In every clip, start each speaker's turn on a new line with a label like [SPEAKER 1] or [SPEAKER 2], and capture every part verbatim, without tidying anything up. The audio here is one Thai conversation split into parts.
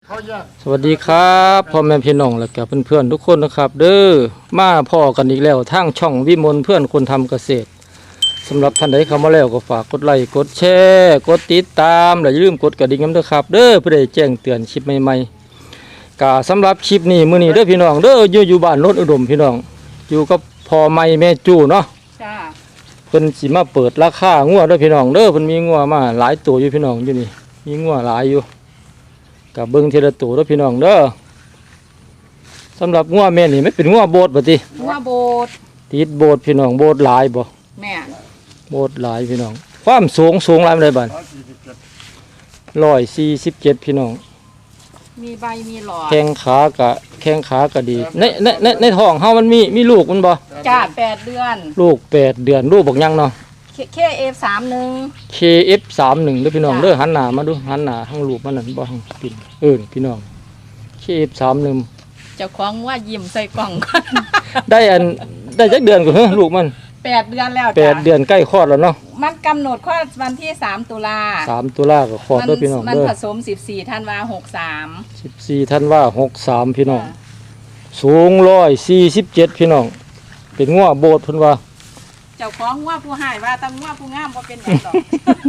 [SPEAKER 1] สวัสดีครับพ่อแม่พี่น้องและกับเพื่อนๆทุกคนนะครับเด้อมาพ่อกันอีกแล้วทางช่องวิมลเพื่อนคนทำเกษตรสำหรับท่านใดเข้ามาแล้วก็ฝากกดไลค์กดแชร์กดติดตามและอย่าลืมกดกระดิ่งด้วยครับเด้อเพื่อได้แจ้งเตือนคลิปใหม่ๆกะสำหรับคลิปนี้มื้อนี้เด้อพี่น้องเด้ออยู่อยู่บ้านโนนอุดมพี่น้องอยู่กับพ่อใหม่แม่จู่เนาะจ้าเพิ่นสิมาเปิดราคางัวเด้อพี่น้องเด้อเพิ่นมีงัวมาหลายตัวอยู่พี่น้องอยู่นี่มีงัวหลายอยู่กับเบิ้งทีละตัวแล้วพี่น้องเด้อสำหรับงัวแม่นี่ไม่เป็นงัวโบดบ่ติ
[SPEAKER 2] งัวโบด
[SPEAKER 1] ติดโบดพี่น้องโบดหลายบ่
[SPEAKER 2] แม่
[SPEAKER 1] โบดหลายพี่น้องความสูงสูงหลายปานใดบัดร้อยสี่สิบเจ็ดพี่น้อง
[SPEAKER 2] มีใบมีหลอด
[SPEAKER 1] แข้งขากะแข้งขากะดีในในในในท้องเฮามันมีมีลูกมันบ่
[SPEAKER 2] จ้าแปดเดือน
[SPEAKER 1] ลูกแปดเดือนลูกบักยังเนาะ
[SPEAKER 2] เคเอฟสามหนึ่ง
[SPEAKER 1] เคเอฟสามหนึ่งเด้อพี่น้องเด้อหันหน้ามาดูหันหน้าทางลูกมันนั่นบ่ทางปิ่นเอิ้นพี่น้องเคเอฟสามหนึ่ง
[SPEAKER 2] เจ้าของว่ายิ้มใส่กล่อง
[SPEAKER 1] ได้อันได้จักเดือนก็เฮ้ลูกมัน
[SPEAKER 2] แปดเดือนแล้ว
[SPEAKER 1] แปดเดือนใกล้คลอดแล้วเนาะ
[SPEAKER 2] มันกำหนดคลอดวันที่สามตุลา
[SPEAKER 1] สามตุลาก็คลอดเด้อพี่น้อง
[SPEAKER 2] เด้อมันผสมสิบสี่ธันวาหกสาม
[SPEAKER 1] สิบสี่ธันวาหกสามพี่น้องสูงร้อยสี่สิบเจ็ดพี่น้องเป็นงัวโบดเพิ่นว่า
[SPEAKER 2] เจ้าของงัวผู้หายว่าตั้งงัวผู้งามบ่เป็นหยังดอก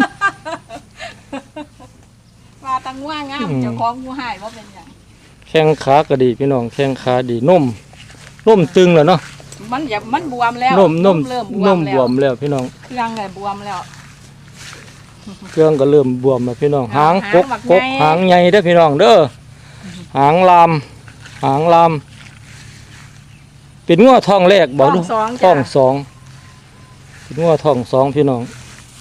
[SPEAKER 2] ว่าตั้งงัวงามเจ้าของผู้หายบ่เป็นหยัง
[SPEAKER 1] แข้งขาก็ดีพี่น้องแข้งขาดีนุ่มนุ่มตึงแล้วเนาะ
[SPEAKER 2] มันอย่ามันบวมแล้ว
[SPEAKER 1] นุ่มนุ่มเริ่มบวมแล้วนุ่มบวมแล้วพี่น้อง
[SPEAKER 2] เครื่องก็บวมแล้ว
[SPEAKER 1] เครื่องก็เริ่มบวมแล้วพี่น้องหางกกกกหางใหญ่เด้อพี่น้องเด้อหางลามหางลามเป็นงัวท้องแรกบอกดูท้องสองเป็นงัวท้องสองพี่น้อง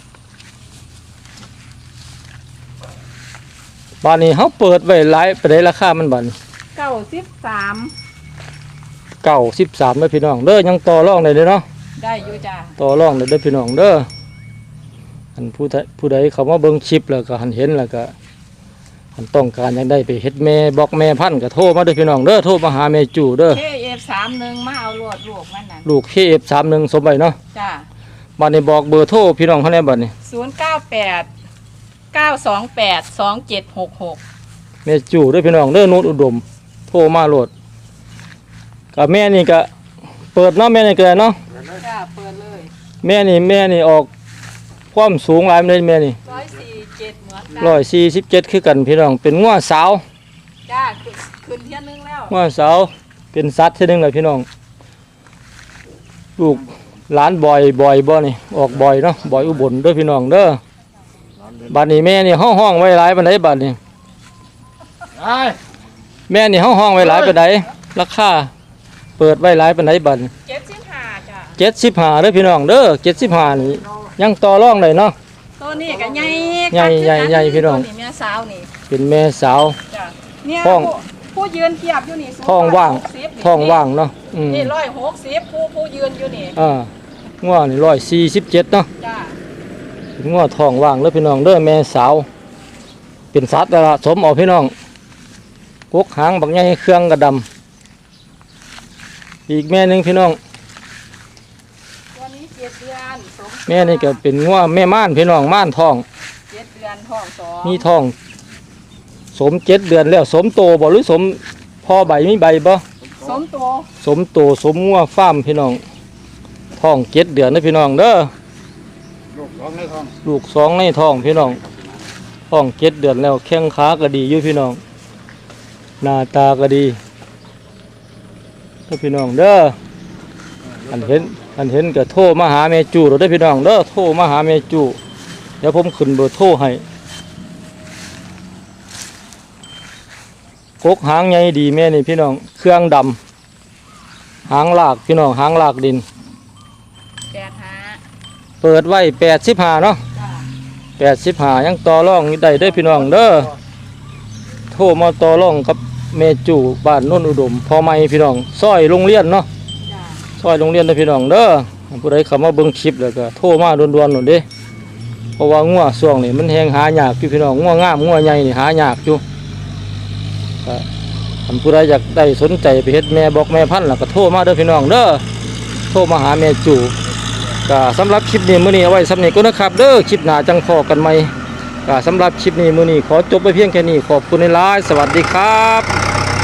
[SPEAKER 1] บ้านนี้เขาเปิดไว้หลายไปได้ราคามันบัน
[SPEAKER 2] เก้าสิบสาม
[SPEAKER 1] เก้าสิบสามเด้อพี่น้องเด้อยังต่อรองได้เลยเนาะ
[SPEAKER 2] ได้อยู่จ้า
[SPEAKER 1] ต่อรองได้เด้อพี่น้องเด้ออันผู้ใดผู้ใดเขามาเบิ่งชิปแล้วก็หันเห็นแล้วก็หันต้องการยังได้ไปเฮ็ดแม่บอกแม่พันธุ์ก็โทรมาเด้อพี่น้องเด้อโทรมาหาแม่จู่เด้อ
[SPEAKER 2] เคเอฟสามหนึ่งมาเอาลูกลูกมันน่ะ
[SPEAKER 1] ลูกเคเอฟสามหนึ่งสมใบเนาะ
[SPEAKER 2] จ้า
[SPEAKER 1] บ้านนี้บอกเบอร์โทรพี่น้องเขาแน่บัดนี้
[SPEAKER 2] ศูนย์เก้าแปดเก้าสองแปดสองเจ็ดหกหก
[SPEAKER 1] แม่จู่เด้อพี่น้องเด้อโนนอุดมโทรมาโหลดกับแม่นี่ก็เปิดเนาะแม่นี่ก็ได้เนาะ
[SPEAKER 2] จ้าเปิดเลย
[SPEAKER 1] แม่นี่แม่นี่ออกความสูงหลายเลยแม่นี่
[SPEAKER 2] ร้อยสี่เจ็ดเหมือนกัน
[SPEAKER 1] ร้อยสี่สิบเจ็ดคือกันพี่น้องเป็นงัวสาว
[SPEAKER 2] จ้าขึ้นเที่ยนึงแล้ว
[SPEAKER 1] งัวสาวเป็นสัตว์เที่ยนึงเลยพี่น้องลูกหลานบ่อยบ่อยบ่นี่ออกบ่อยเนาะบ่อยอุบลเด้อพี่น้องเด้อบัดนี้แม่นี่ห้องห้องไว้หลายปานใดบัดนี้แม่นี่ห้องห้องไว้หลายปานใดราคาเปิดไว้หลายปานใดบัด
[SPEAKER 2] เจ็ดสิบห้าจ้ะ
[SPEAKER 1] เจ็ดสิบห้าเด้อพี่น้องเด้อเจ็ดสิบห้านี่ยังต่อรองได้เนาะ
[SPEAKER 2] ตัวนี้ก็ใหญ่
[SPEAKER 1] ใหญ่ใหญ่ใหญ่พี่น้อง
[SPEAKER 2] แม่สาวนี่
[SPEAKER 1] เป็นแม่สาว
[SPEAKER 2] จ้ะเนี่ยผู้ผู้ยืนเทียบอยู่นี่
[SPEAKER 1] ท้องว่างท้องว่างเนาะ
[SPEAKER 2] นี่ร้อยหกสิบผู้ผู้ยืนอยู่นี่
[SPEAKER 1] อ่างัวนี่ร้อยสี่สิบเจ็ดเนาะ
[SPEAKER 2] จ้ะ
[SPEAKER 1] งัวท้องว่างแล้วพี่น้องเด้อแม่สาวเป็นสัตว์ละสมเอาพี่น้องกกหางบักใหญ่เครื่องกระดำอีกแม่หนึ่งพี่น้อง
[SPEAKER 2] ตัวนี้เจ็ดเดือน
[SPEAKER 1] แม่นี่ก็เป็นงัวแม่ม่านพี่น้องม่านท้อง
[SPEAKER 2] เจ็ดเดือนท้องสอง
[SPEAKER 1] มีท้องสมเจ็ดเดือนแล้วสมโตบ่หรือสมพ่อใบมีใบบ่
[SPEAKER 2] สมโต
[SPEAKER 1] สมโตสมงัวฟาร์มพี่น้องท้องเจ็ดเดือนนะพี่น้องเด้อลูกสองในท้องลูกสองในท้องพี่น้องท้องเจ็ดเดือนแล้วแข้งขาก็ดีอยู่พี่น้องหน้าตาก็ดีถ้าพี่น้องเด้ออันเห็นอันเห็นก็โทรมาหาแม่จู่เราได้พี่น้องเด้อโทรมาหาแม่จู่เดี๋ยวผมขึ้นเบอร์โทรให้กกหางใหญ่ดีแม่นี่พี่น้องเครื่องดำหางลากพี่น้องหางลากดิน
[SPEAKER 2] แปดห้า
[SPEAKER 1] เปิดไว้แปดสิบห้าเนาะแปดสิบห้ายังต่อรองได้ได้พี่น้องเด้อโทรมาต่อรองกับแม่จู่บ้านโนนอุดมพอไม่พี่น้องซอยโรงเรียนเนาะซอยโรงเรียนได้พี่น้องเด้อผู้ใดเข้ามาเบิ่งคลิปแล้วก็โทรมาด่วนๆหน่อยเด้เพราะว่างัวช่วงนี้มันแหงหายากอยู่พี่น้องงัวงามงัวใหญ่นี่หายากอยู่ท่านผู้ใดอยากได้สนใจไปเฮ็ดแม่บอกแม่พันธุ์แล้วก็โทรมาเด้อพี่น้องเด้อโทรมาหาแม่จู่ก็สำหรับคลิปนี้มื้อนี้เอาไว้สำนี้ก็นะครับเด้อคลิปหน้าจังพอกันใหม่ก็สำหรับคลิปนี้มื้อนี้ขอจบไปเพียงแค่นี้ขอบคุณหลายๆสวัสดีครับ